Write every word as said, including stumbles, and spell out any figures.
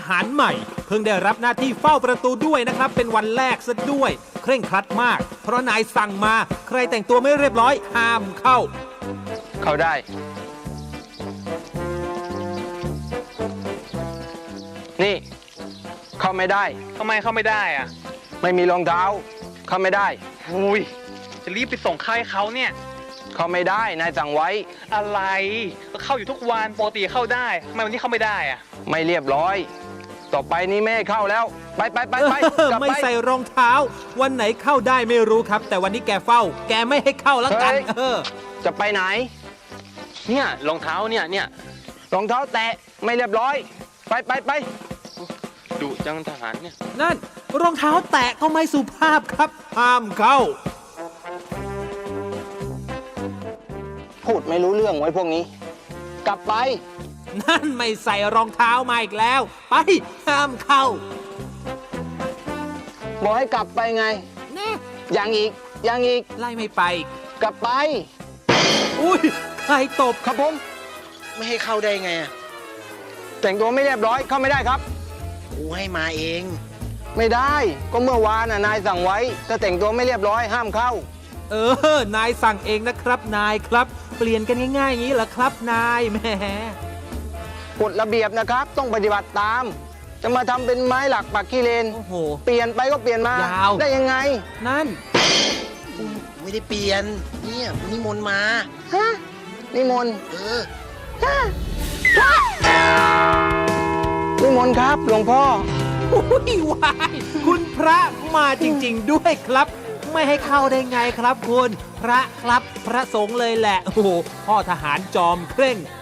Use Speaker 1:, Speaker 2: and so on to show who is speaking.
Speaker 1: หารใหม่ เพิ่งได้รับหน้าที่เฝ้าประตูด้วยนะครับเป็นวันแรกซะด้วยเคร่งครัดมากเพราะนายสั่งมาใครแต่งตัวไม่เรียบร้อยห้ามเข้า
Speaker 2: เข้าได้นี่เข้าไม่ได้
Speaker 3: ทำไมเข้าไม่ได้อ่ะ
Speaker 2: ไม่มีรองเท้าเข้าไม่ได้
Speaker 3: อุ้ยจะรีบไปส่งค่ายเขาเนี่ย
Speaker 2: เข้าไม่ได้นายสั่งไว้
Speaker 3: อะไรก็เข้าอยู่ทุกวันปกติเข้าได้ทำไมวันนี้เข้าไม่ได้อ่ะ
Speaker 2: ไม่เรียบร้อย ต่อไปนี้ไม่ให้เข้าแล้ว ไปไปไปไป
Speaker 1: เออก
Speaker 2: ลับ
Speaker 1: ไม่
Speaker 2: ไป
Speaker 1: ใส่รองเท้า วันไหนเข้าได้ไม่รู้ครับ แต่วันนี้แกเฝ้า แกไม่ให้เข้าแล้วกัน
Speaker 2: เฮ้ย
Speaker 1: เออ
Speaker 2: จะไปไหน
Speaker 3: เนี่ยรองเท้าเนี่ยเนี่ย
Speaker 2: รองเท้าแตะไม่เรียบร้อย ไปไปไป
Speaker 3: ดุจังทหารเนี่ย
Speaker 1: นั่นรองเท้าแตะก็ไม่สุภาพครับ ห้ามเข้า
Speaker 2: พูดไม่รู้เรื่องไว้พวกนี้ กลับไป
Speaker 1: นั่นไม่ใส่รองเท้ามาอีกแล้ว ไปห้ามเข้า
Speaker 2: บอกให้กลับไปไง
Speaker 1: แน่
Speaker 2: ยังอีกยังอีก
Speaker 1: ไล่ไม่ไป
Speaker 2: กลับไป
Speaker 1: อุ้ยใครตบ
Speaker 2: ครับผม
Speaker 4: ไม่ให้เข้าได้ไงอะ
Speaker 2: แต่งตัวไม่เรียบร้อยเข้าไม่ได้ครับ
Speaker 4: กูให้มาเอง
Speaker 2: ไม่ได้ ก็เมื่อวานน่ะนายสั่งไว้ ถ้าแต่งตัวไม่เรียบร้อยห้ามเข้า
Speaker 1: เออ นายสั่งเองนะครับ นายครับ เปลี่ยนกันง่ายๆอย่างนี้เหรอครับ นายแหม
Speaker 2: กฎระเบียบนะครับ ต้องปฏิบัติตาม จะมาทำเป็นไม้หลักปักขี้เลน
Speaker 1: โอ้โห
Speaker 2: เปลี่ยนไปก็เปลี่ยนมาย
Speaker 1: าว
Speaker 2: ได้ยังไง
Speaker 1: นั่น
Speaker 4: กูไม่ได้เปลี่ยน เนี่ยกูนิมนต์มา
Speaker 2: ฮะนิมนต์
Speaker 4: เออ
Speaker 2: นิมนต์ครับหลวงพ่อ
Speaker 1: อุ้ยวายคุณพระมาจริงๆด้วยครับ ไม่ให้เข้าได้ไงครับคุณ พระครับพระสงฆ์เลยแหละ โอ้โหพ่อทหารจอมเคร่ง